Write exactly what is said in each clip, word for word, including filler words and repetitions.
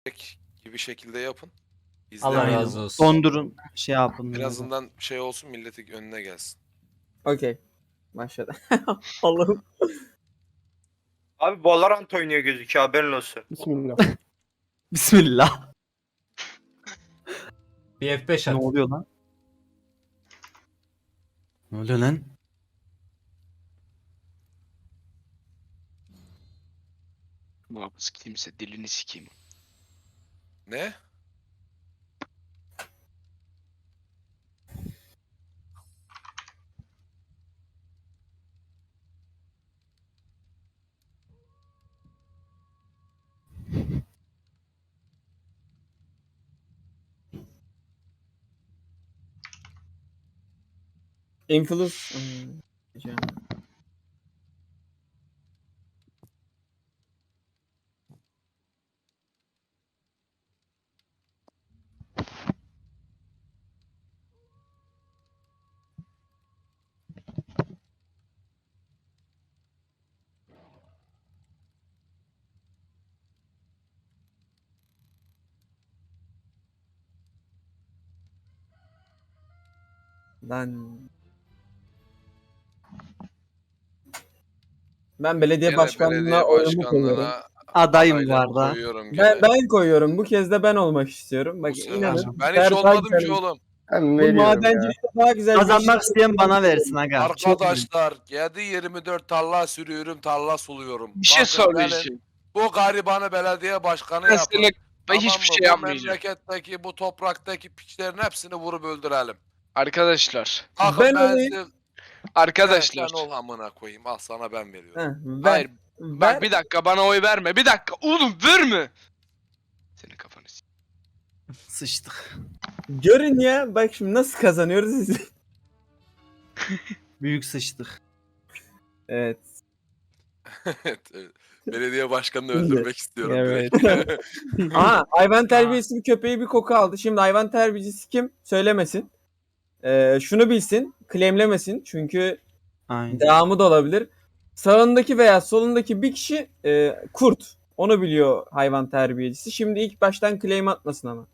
gibi şekilde yapın. Allah İzlemeyin. razı olsun. Dondurun şey yapın. En azından şey olsun, milletin önüne gelsin. Okey. Başladı. Allah'ım. Abi Valorant oynuyor gözüküyor, haberin olsun. Bismillah. Bismillah. Bir F beş Ne at. oluyor lan? Ne oluyor lan? Muhafız kimse dilini sikeyim. Ne? Influence. Hmm, diyeceğim. Lan. Ben belediye Gene başkanlığına belediye oyumu koyuyorum. başkanlığına Adayım adaylarımı var da. koyuyorum gene. Ben, ben koyuyorum. Bu kez de ben olmak istiyorum. Bak Bu sefer. inanın. Ben hiç Ferdi olmadım Aksel- ki oğlum. Ben Bu veriyorum ya. madencilikte daha güzel bir Kazanmak şey- isteyen bana versin aga. Çok iyi. Arkadaşlar yedi yirmi dört tarla sürüyorum, tarla suluyorum. Bir şey Bakın benim söyleyeceğim. Bu garibanı belediye başkanı Ben yapın. sana ben Tamam hiçbir mı? şey Bu yapmayacağım. memleketteki, bu topraktaki piçlerin hepsini vurup öldürelim. Arkadaşlar. Bakın Ben ben, olayım. size... Arkadaşlar. Sen ol amına koyayım. Al sana ben veriyorum. Heh, ver, Hayır. ver. Bak bir dakika bana oy verme. Bir dakika. Oğlum verme. Senin kafanı s- Sıçtık. Görün ya. Bak şimdi nasıl kazanıyoruz. Büyük sıçtık. Evet. Evet, evet. Belediye başkanını öldürmek istiyorum Evet. direkt. Aha hayvan terbiyesi bir köpeği bir koku aldı. Şimdi hayvan terbiyecisi kim? Söylemesin. Ee, şunu bilsin. Claimlemesin. Çünkü Aynen. devamı da olabilir. Sağındaki veya solundaki bir kişi e, kurt. Onu biliyor hayvan terbiyecisi. Şimdi ilk baştan claim atmasın ama.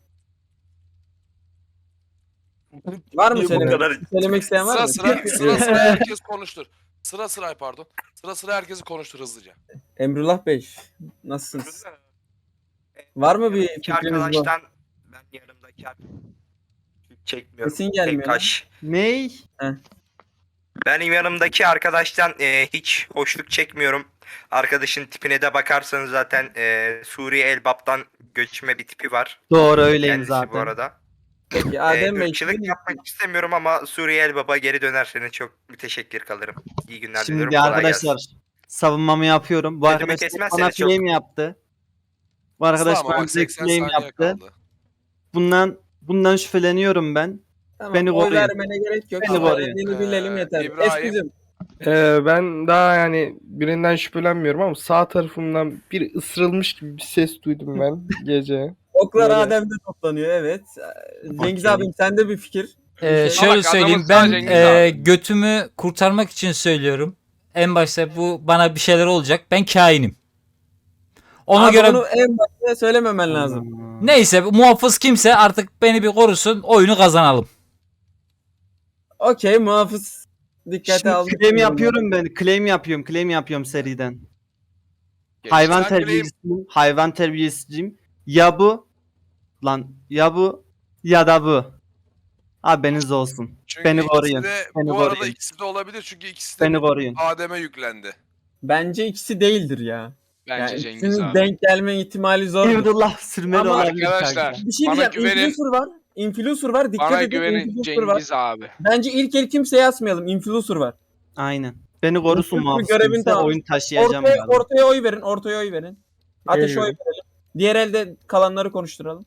Var mı Niye bu söylemek, kadar- söylemek isteyen var sıra mı? sıra, sıra sıra herkes konuştur. Sıra sıra pardon. Sıra sıra herkesi konuştur hızlıca. Emrullah Bey nasılsınız? Var mı bir Yanımdaki fikriniz bu? arkadaştan ben yanımdaki arkadaştan çekmiyorum. Sesin gelmiyor Tek lan. kaş. Ney? Benim yanımdaki arkadaştan e, hiç hoşluk çekmiyorum. Arkadaşın tipine de bakarsanız zaten e, Suriye Elbap'tan göçme bir tipi var. Doğru öyleyim Kendisi zaten. bu arada. Peki E, Adem Bey. ırkçılık sizin- yapmak istemiyorum ama Suriye Elbap'a geri dönerseniz çok müteşekkir kalırım. İyi günler diliyorum. Şimdi kolay arkadaşlar gelsin. savunmamı yapıyorum. Bu Sözümü arkadaş kesmezseniz bana çok- claim yaptı. Bu arkadaş Ama bana bak direkt seksen claim saniye yaptı. kaldı. Bundan bundan şüpheleniyorum ben. Tamam, Beni oy koruyun. vermene gerek yok. Beni Ama koruyun. dediğini bilelim Ee, yeter. İbrahim. Eskizim. Ee, ben daha yani birinden şüphelenmiyorum ama sağ tarafımdan bir ısırılmış gibi bir ses duydum ben gece. Oklar Böyle. Adem'de toplanıyor evet. Ee, Cengiz Okey. abim sende bir fikir. Ee, Şey- şöyle Bak, söyleyeyim, adamın ben sadece Cengiz e, abi. götümü kurtarmak için söylüyorum. En başta bu bana bir şeyler olacak. Ben kainim. Ona Abi göre bunu en başta söylememen lazım. neyse muhafız kimse artık beni bir korusun, oyunu kazanalım. Okey muhafız dikkate Şimdi aldım. claim yapıyorum ben. Claim yapıyorum. Claim yapıyorum seriden. Hayvan Sen claim- terbiyesiyim. Hayvan terbiyesiciyim. Ya bu lan ya bu ya da bu. Haberiniz olsun. Çünkü Beni ikisi koruyun. de- Beni bu arada koruyun. ikisi de olabilir çünkü ikisi de Beni bir koruyun. Adem'e yüklendi. Bence ikisi değildir ya. Bence Yani Cengiz ikisinin abi. denk gelme ihtimali zor. Emrullah sürmeli Ama olabilir arkadaşlar, kanka. Bir şey Bana diyeceğim. güvenin. Influencer var. Influencer var. Dikkat Bana edin. güvenin Influencer var. Cengiz abi. Bence ilk el kimseye asmayalım. Influencer var. Aynen. Beni korusun Influencer muhafız görevini kimse, tamam. oyun taşıyacağım Ortaya, yani. ortaya oy verin. Ortaya oy verin. Ateşe oy Veriyorum. verelim. Diğer elde kalanları konuşturalım.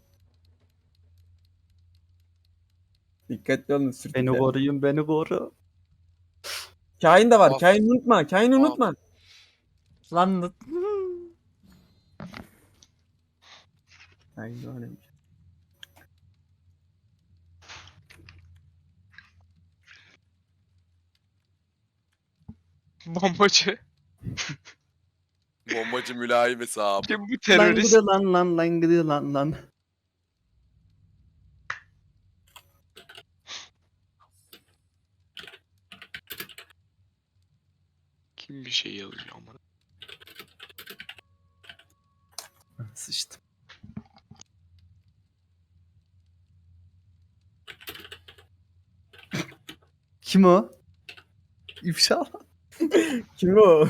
Dikkatli olun. sürtükler. Beni koruyun, beni koru. Kain de var. Of. Kain unutma. Kain Of. unutma. Lan Kain de önemli. Bombacı. Bombacı mülayim hesabı. Şimdi bu Lan terörist gıdı lan lan lan gıdı lan lan. kim bir şey yazıyor ama. Sıçtım. Kim o? İfşa. Kim o?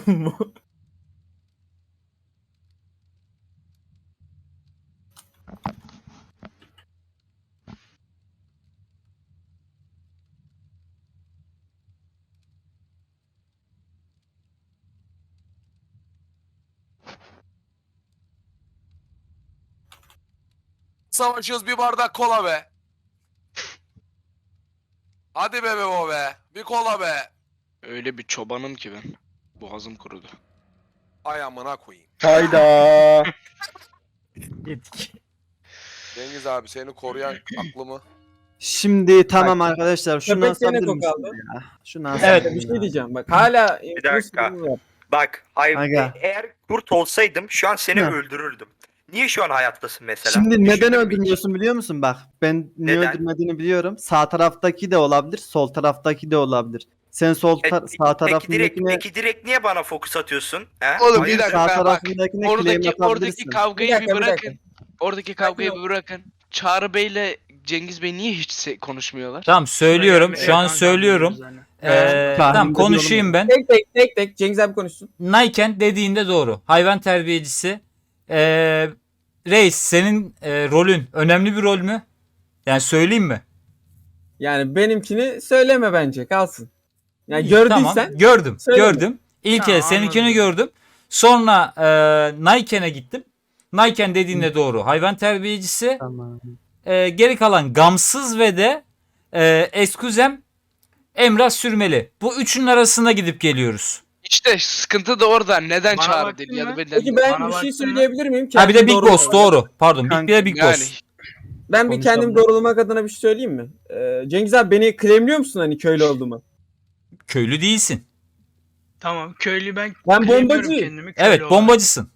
Savaşıyoruz bir bardak kola be. Hadi be be o be. Bir kola be. Öyle bir çobanım ki ben. Boğazım kurudu. Ay amına koyayım. Hayda. Yedik. Cengiz abi seni koruyan aklımı. Şimdi tamam arkadaşlar şunu Köpek gene asabilir koku misiniz aldı. ya? Şunu Evet, asabilir Bir şey ya. diyeceğim bak hala Bir dakika. influencer'ımız var. Bak hay Aga. eğer kurt olsaydım şu an seni Hı. öldürürdüm. Niye şu an hayattasın mesela? Şimdi Düşündün neden mü hiç? öldürmüyorsun biliyor musun? Bak ben niye Neden? öldürmediğini biliyorum. Sağ taraftaki de olabilir, sol taraftaki de olabilir. Sen sol E, tar- sağ peki direkt, tarafındakine peki direkt niye bana fokus atıyorsun? He? Oğlum, bir Hayırdır? dakika. sağ bak, tarafındakine claim Oradaki oradaki atabilirsin. kavgayı Bir bir, dakika, bir bırakın. dakika. Oradaki kavgayı Sakin bir bırakın. Çağrı Bey'le Cengiz Bey niye hiç se- konuşmuyorlar? Tamam söylüyorum. Şu an söylüyorum. Ee, Tahmin tamam ediyorum. konuşayım ben. Tek tek tek tek Cengiz abi konuşsun. Nayken dediğinde doğru. Hayvan terbiyecisi. Ee, Reis senin e, rolün önemli bir rol mü? Yani söyleyeyim mi? Yani benimkini söyleme bence kalsın. Yani İyi, gördüysen tamam, gördüm. söyleme. Gördüm. İlk Tamam, el seninkini anladım. gördüm. Sonra e, Nayken'e gittim. Nayken dediğinde doğru. Hayvan terbiyecisi. Tamam. E, geri kalan Gamsız ve de e, Eskuzem Emrah Sürmeli. Bu üçünün arasında gidip geliyoruz. İşte sıkıntı da orada. Neden Bana Çağrı baktın değil ya da mı? benden Peki değil? ben Bana bir şey baksana. söyleyebilir miyim? Ha bir de Kendim Big doğrulamak Boss adına. doğru. Pardon. Bir de Big Yani Boss. Ben bir Konuşalım. kendim doğrulamak adına bir şey söyleyeyim mi? Ee, Cengiz abi beni claimliyor musun hani köylü olduğumu? Köylü değilsin. Tamam köylü ben Ben claimliyorum bombacıyım. kendimi köylü Evet olarak. bombacısın.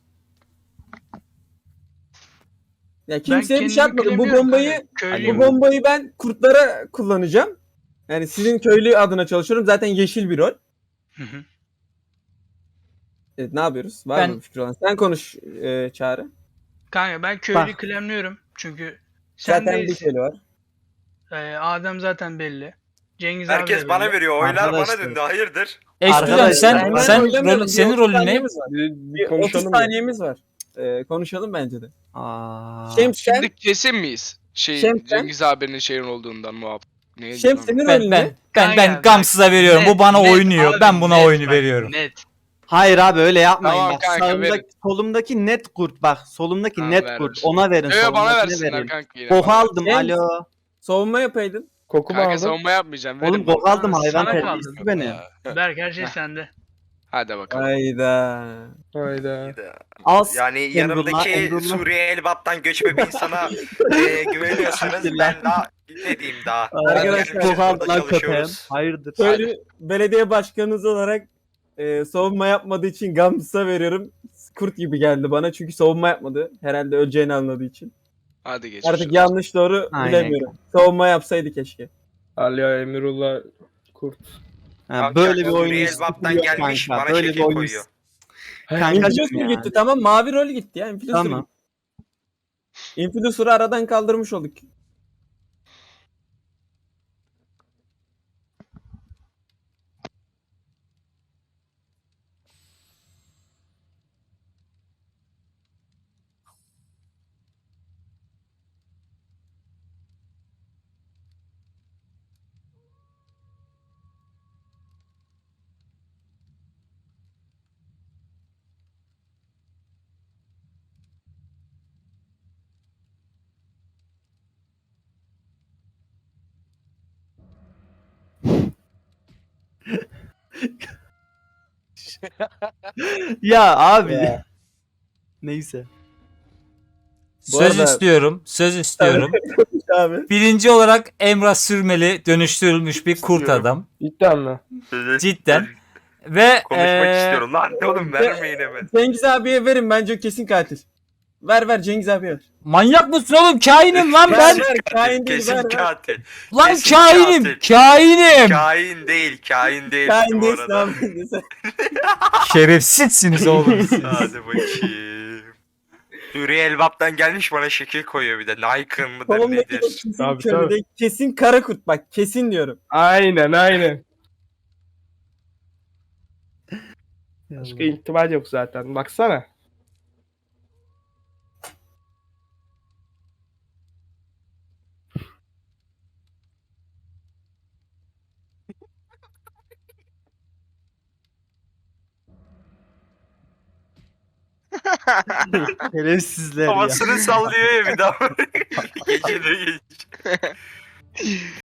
Ya Ben kimseye bir şey kendimi yapmadım. Bu claimliyorum bombayı kanka, bu köylüyüm. bombayı ben kurtlara kullanacağım. Yani sizin köylü adına çalışıyorum. Zaten yeşil bir rol. Hı hı. Evet, ne yapıyoruz? Var Ben- mı bir fikir olan? Sen konuş e, Çağrı. Kanka ben köylü Bak. claimliyorum çünkü sen Zaten bir değilsin. köylü var. Ee, Adem zaten belli. Cengiz abi Herkes de bana belli. veriyor. Oylar bana Arkadaşlar. döndü. Hayırdır? Eskuzem Arkadaşlar, sen ben sen oylamayalım. rol, Bir senin otuz rolün ne? saniyemiz var. Bir, bir Bir otuz konuşalım. ya. saniyemiz var. Ee, konuşalım bence de. Aa. Şems sen, Şimdi kesin miyiz? Şey Şemsen- Cengiz abinin şeyin olduğundan muhabbet. Neye Şems gidiyorum? senin Ben rolün ben ne? ben ben Kanka, Gamsız'a veriyorum. Bu Net, bana net oynuyor. abi, Ben buna net oyunu bak, veriyorum. Net. Hayır abi öyle yapmayın Tamam bak. kanka, Sağımdaki, verin. solumdaki net kurt bak. Solumdaki Tamam, net ver, kurt. ver. Ona verin. Yo, yo, bana solumdakine versinler verin. kanka yine. Koku bana. aldım Şems. alo. Savunma yapaydın. Koku mu Kanka aldın? savunma yapmayacağım. Oğlum Verin koku bana. aldım hayvan Sana terbiyesi kaldı. beni. Berk her şey sende. Hadi bakalım. Hayda. Hayda. Al Yani Emrullah, yanımdaki Emrullah. Suriye Elbap'tan göçme bir insana e, güveniyorsanız ben daha ne diyeyim daha. Arkadaşlar, Arkadaşlar koku aldı lan köpeğim. çalışıyoruz. Hayırdır? Köylü belediye başkanınız olarak e, savunma yapmadığı için Gamsız'a veriyorum. Kurt gibi geldi bana çünkü savunma yapmadı. Herhalde öleceğini anladığı için. Hadi geç. Artık yanlış doğru Aynen. bilemiyorum. Savunma yapsaydı keşke. Aliya Emirullah Kurt. Ha, Kanka, böyle bir oyun Suriye istiyor Elbap'tan gelmiş kanka. bana Böyle bir şekil oyun koyuyor. Kankacım Influencer ya. gitti tamam mavi rol gitti ya. Influencer Tamam. gitti. Influencer'ı aradan kaldırmış olduk. Ya abi. Ya. Neyse. Bu Söz arada- istiyorum. Söz istiyorum. Abi. Birinci olarak Emrah Sürmeli dönüştürülmüş bir kurt İstiyorum. adam. Cidden mi? Cidden. Ve Konuşmak ee, istiyorum lan. Oğlum vermeyin hemen. Cengiz abiye verin, bence o kesin katil. Ver ver Cengiz abiye ver. manyak mısın oğlum? Kainim lan Ver ben. ver, kain değil, Kesin ver ver. katil. Lan kesin kainim. katil. Kainim. Kain değil. Kain değil Kain bu değilsin arada. abi. Şerefsizsiniz oğlum siz. Hadi bakayım. Suriye Elbap'tan gelmiş bana şekil koyuyor bir de. Nikon mıdır Kolumdaki de nedir? kesin Tabii, köle tabii. değil, kesin Karakurt, bak kesin diyorum. Aynen aynen. Başka ihtimal yok zaten. Baksana. Şerefsizler ya. Havasını sallıyor ya bir daha. Gece de geç.